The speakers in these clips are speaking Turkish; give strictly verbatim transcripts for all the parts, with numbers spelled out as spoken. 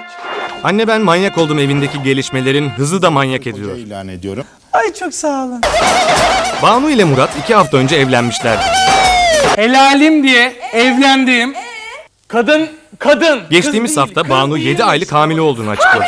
Anne ben manyak oldum evindeki gelişmelerin hızı da manyak ediyor. İlan ediyorum. Ay çok sağ olun. Banu ile Murat iki hafta önce evlenmişler. Helalim diye evlendiğim kadın, kadın. Geçtiğimiz hafta Banu yedi aylık hamile olduğunu açıkladı.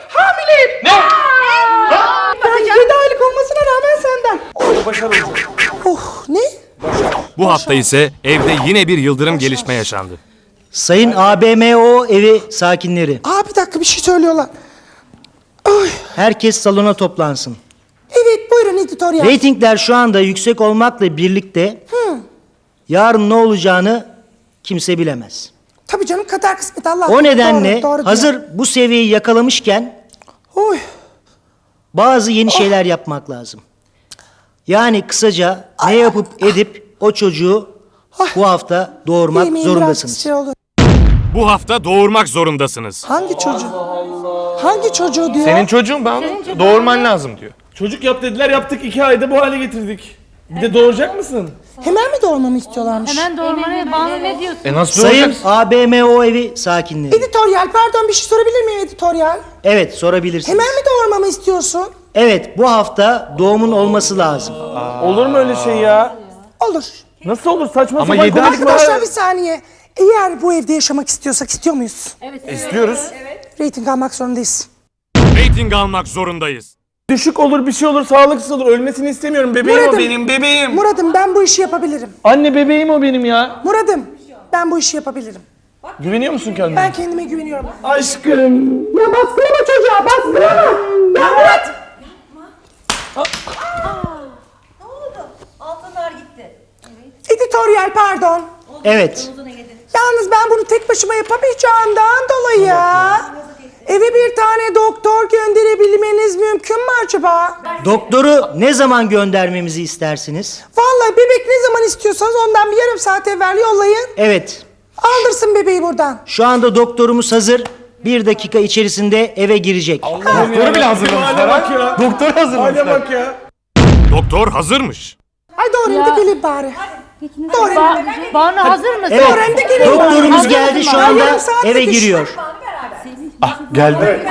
yedi aylık olmasına rağmen senden. Oh ne? Bu hafta ise evde yine bir yıldırım gelişme yaşandı. Sayın A B M O evi sakinleri, Aa bir dakika bir şey söylüyorlar. herkes salona toplansın. Evet buyurun editoryal. Reytingler şu anda yüksek olmakla birlikte yarın ne olacağını kimse bilemez. Tabii canım kader kısmet Allah. O nedenle Doğru, doğru hazır diyor. bu seviyeyi yakalamışken Oy. bazı yeni şeyler yapmak lazım. Yani kısaca ne yapıp edip o çocuğu bu hafta doğurmak Yemeğin biraz zorundasınız. şey olur. Bu hafta doğurmak zorundasınız. Hangi çocuğu? Hangi çocuğu diyor? Senin çocuğun Banu. Doğurman lazım diyor. Çocuk yap dediler, yaptık, iki ayda bu hale getirdik. Bir de doğuracak mısın? Hemen mi doğurmamı istiyorlarmış? Hemen doğurmaya Banu ne diyorsun? E nasıl Sayın doğuracaksın? A B M O evi sakinleri. Editoryal pardon bir şey sorabilir miyim editoryal? Evet, sorabilirsiniz. Hemen mi doğurmamı istiyorsun? Evet, bu hafta doğumun olması lazım. Olur mu öyle şey ya? Olur. Nasıl olur, saçma Ama sapan yedi aylık konuşma. Arkadaşlar bir saniye. Eğer bu evde yaşamak istiyorsak istiyor muyuz? İstiyoruz. Rating almak zorundayız. Rating almak zorundayız. Düşük olur, bir şey olur, sağlıksız olur. Ölmesini istemiyorum. Bebeğim Murat'ım. o benim, bebeğim. Muradım ben bu işi yapabilirim. Anne bebeğim o benim ya. Muradım ben bu işi yapabilirim. Güveniyor musun kendine? Ben kendime güveniyorum. Aşkım. Ya baskılama çocuğa baskılama. Ya Murat. Ne oldu? Altınlar gitti. Editoryal pardon. Evet. Yalnız ben bunu tek başıma yapamayacağımdan dolayı eve bir tane doktor gönderebilmeniz mümkün mü acaba? Doktoru ne zaman göndermemizi istersiniz? Vallahi bebek ne zaman istiyorsanız ondan bir yarım saat evvel yollayın. Evet. Aldırsın bebeği buradan. Şu anda doktorumuz hazır. Bir dakika içerisinde eve girecek. Doktoru bile hazırlamışlar Hale bak ha. ya. Doktoru Hale hazırlamışlar. bak ya. Doktor hazırmış. Ay doğru da gelin bari. Doğru Ba Banu hazır mısın? Evet. Öğrendi gelin. Doktorumuz Hazır geldi mısın? şu Ben anda yarım saat eve yetiş- giriyor. Geldi.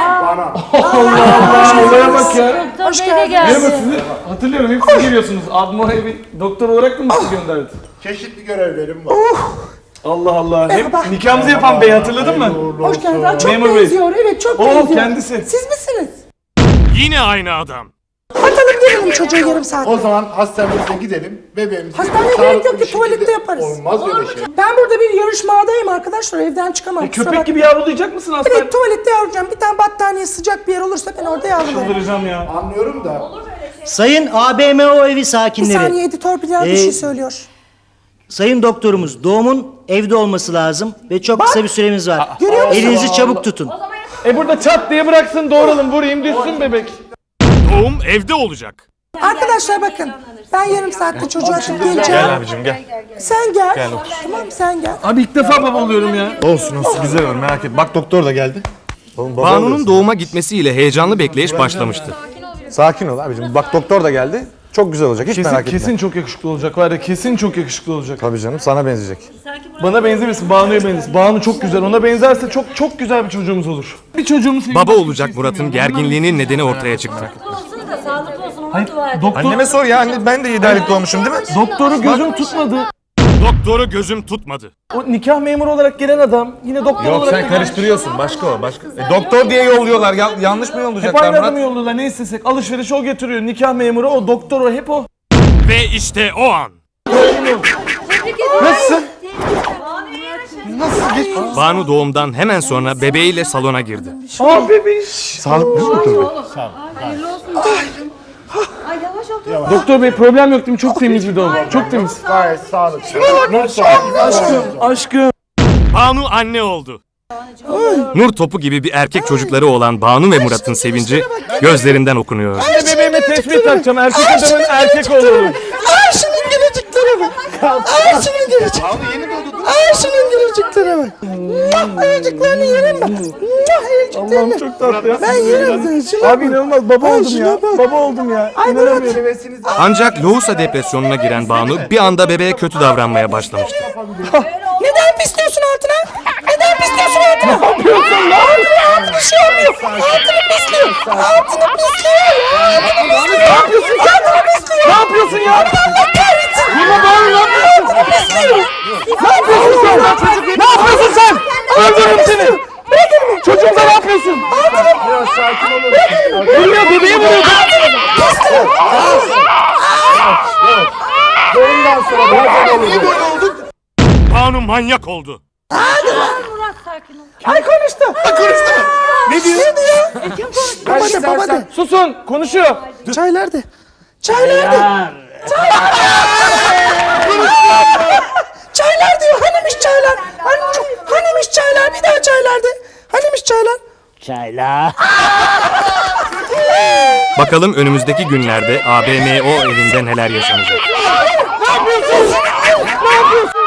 Olaya bak ya. Doktor Bey de Merhaba geldi. sizi hatırlıyorum, hep siz geliyorsunuz. Abim oraya bir doktor olarak mı sizi gönderdi? Çeşitli görevlerim var. Allah Allah. Merhaba. Hep nikahımızı yapan bey, hatırladın mı? Hoş geldin. Aa, Çok Memur Bey. benziyor. Evet çok Oo, benziyor. kendisi. Siz misiniz? Yine aynı adam. Atalım gelelim çocuğu yarım saat. O zaman hastanemize gidelim. Bebeğimizi Hastaneye sağlıklı gerek yok bir ki, şekilde- tuvalette yaparız. Olmaz öyle şey. Ben burada bir yarışmadayım arkadaşlar. Evden çıkamam. kusura Köpek bakmayın. gibi yavrulayacak mısın hastane? Evet tuvalette yavrulayacağım. Bir tane battaniye sıcak bir yer olursa ben orada yavrularım. Çıldıracağım ya. Anlıyorum da. Sayın A B M O evi Bir sakinleri. saniye editör Bilal bir Ee, şey söylüyor. Sayın doktorumuz doğumun evde olması lazım ve çok kısa bir süremiz var. Görüyor musun? Elinizi çabuk tutun. E burada çat diye bıraksın, doğuralım, vurayım, düşsün bebek. Doğum evde olacak. Arkadaşlar bakın. Ben yarım saatte çocuğu açıp geleceğim. Gel abicim gel. Sen gel. Tamam sen gel. Abi ilk defa baba oluyorum ya. Olsun olsun güzel olur merak etme. Bak doktor da geldi. Oğlum, baba Banu'nun oluyorsun. doğuma gitmesiyle heyecanlı bekleyiş başlamıştı. Sakin ol abicim. Bak doktor da geldi. Çok güzel olacak hiç Kesin, merak etme. kesin çok yakışıklı olacak var ya, kesin çok yakışıklı olacak. Tabii canım sana benzeyecek. Bana benzemesin, Banu'ya benzesin. Banu çok güzel, ona benzerse çok çok güzel bir çocuğumuz olur. Bir çocuğumuz... Baba olacak Murat'ın gerginliğinin nedeni ortaya çıktı. Olsun da sağlıklı olsun ona dua et. Doktor, Anneme sor ya anne ben de yedi aylık doğmuşum değil mi? doktoru gözüm tutmadı. Doktoru gözüm tutmadı. O nikah memuru olarak gelen adam yine doktor Yok olarak sen da karıştırıyorsun başka o başka. E, doktor diye yolluyorlar ya, yanlış mı hep yollayacaklar aynı adamı Murat? yolluyorlar, ne istesek. Alışveriş o getiriyor, nikah memuru o, doktor o, hep o. Ve işte o an. Nasılsın? Banu doğumdan hemen sonra bebeğiyle salona girdi. Aa bebiş. Sağlıklı mı doktor bey? Ay yavaş ol. Doktor bey problem yok değil mi? Çok temiz bir doğum. Çok temiz. Gayet sağlıklı. Aşkım, aşkım. Banu anne oldu. Nur topu gibi bir erkek çocukları olan Banu ve Murat'ın sevinci gözlerinden okunuyor. Ne bebeğime tesbih takacağım. Erkek adamın erkek olurum. Ay şunun gülücüklere bak. Ay şunun gülücük. Ay şunun gülücüklere bak. Muah, ayıcıklarını yerim ben. Muah, ayıcıklarını. Allah'ım çok tatlı ya. Ben yerim seni. Şuna Abi bak. inanılmaz baba Ay, oldum şuna ya. bak. Baba oldum ya. Ay İnanamıyorum. Murat. Ancak lohusa depresyonuna giren Banu bir anda bebeğe kötü davranmaya başlamıştı. Neden pisliyorsun altına? Neden pisliyorsun altına? Ne yapıyorsun lan? Altını Altını pisliyor. Altını pisliyor. Ne yapıyorsun sen? Ne yapıyorsun ya? Allah kahretsin. Yine Banu ne yapıyorsun? Altını pisliyor. Ne yapıyorsun sen? Ne yapıyorsun sen? Öldürürüm seni. Bırakın beni. Çocuğumuza ne yapıyorsun? Biraz sakin olun. Vuruyor, bebeği vuruyor. Doğumdan sonra biraz olun. Banu manyak oldu. Murat sakin ol. Ay konuştu. Konuştu. Ne diyor? Ne diyor? Kaç Baba de baba istersen. de. Susun, konuşuyor. Çay nerede? Çay nerede? Çaylar diyor. Hanimiş çaylar? Hani, hanimiş çaylar? Bir daha çaylar de. Hanimiş çaylar? Bakalım önümüzdeki günlerde A B M O evinde neler yaşanacak. Ne yapıyorsun? Ne yapıyorsun?